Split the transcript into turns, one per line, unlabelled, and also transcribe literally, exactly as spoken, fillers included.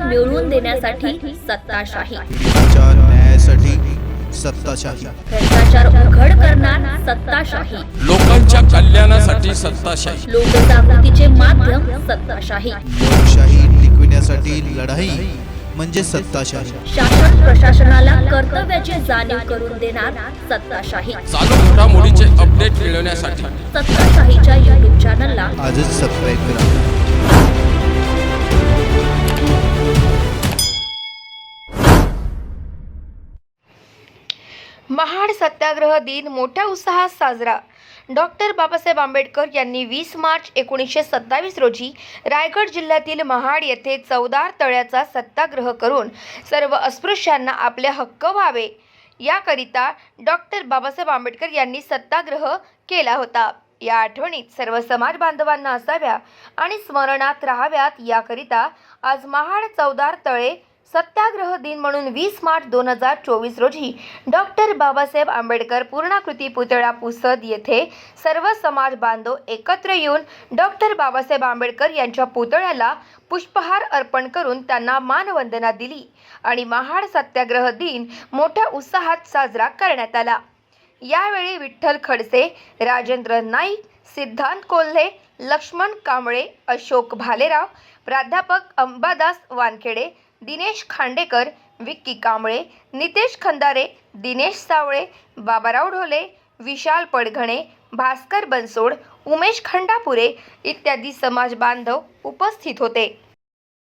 मिळवून देण्यासाठी सत्ताशाही,
च्या न्यायासाठी सत्ताशाही,
भ्रष्टाचार उघड करणार सत्ताशाही,
लोकांच्या कल्याणासाठी सत्ताशाही,
लोकजागृतीचे माध्यम सत्ताशाही,
लोकशाही टिकविण्यासाठी लढाई म्हणजे सत्ताशाही,
शासन प्रशासनाला कर्तव्याची जाणीव करून देणार सत्ताशाही,
चालू घडामोडीचे अपडेट मिळवण्यासाठी
सत्ताशाहीच्या युट्यूब चॅनलला
आजच सबस्क्राईब करा.
महाड सत्याग्रह दिन मोठ्या उत्साहात साजरा. डॉक्टर बाबासाहेब आंबेडकर यांनी वीस मार्च एकोणीसशे सत्तावीस रोजी रायगड जिल्ह्यातील महाड येथे चवदार तळ्याचा सत्याग्रह करून सर्व अस्पृश्यांना आपले हक्क व्हावे याकरिता डॉक्टर बाबासाहेब आंबेडकर यांनी सत्याग्रह केला होता. या आठवणीत सर्व समाज बांधवांना असाव्या आणि स्मरणात राहाव्यात याकरिता आज महाड चवदार तळे सत्याग्रह दिन म्हणून वीस मार्च दोन हजार चोवीस रोजी डॉक्टर बाबासाहेब आंबेडकर पूर्णाकृती पुतळा पुसद येथे सर्व समाज बांधव एकत्र येऊन डॉक्टर बाबासाहेब आंबेडकर यांच्या पुतळ्याला पुष्पहार अर्पण करून त्यांना मानवंदना दिली आणि महाड सत्याग्रह दिन मोठ्या उत्साहात साजरा करण्यात आला. यावेळी विठ्ठल खडसे, राजेंद्र नाईक, सिद्धांत कोल्हे, लक्ष्मण कांबळे, अशोक भालेराव, प्राध्यापक अंबादास वानखेडे, दिनेश खांडेकर, विक्की कांबळे, नितेश खंदारे, दिनेश सावळे, बाबाराव ढोले, विशाल पडघणे, भास्कर बनसोड, उमेश खंडापुरे इत्यादी समाज बांधव उपस्थित होते.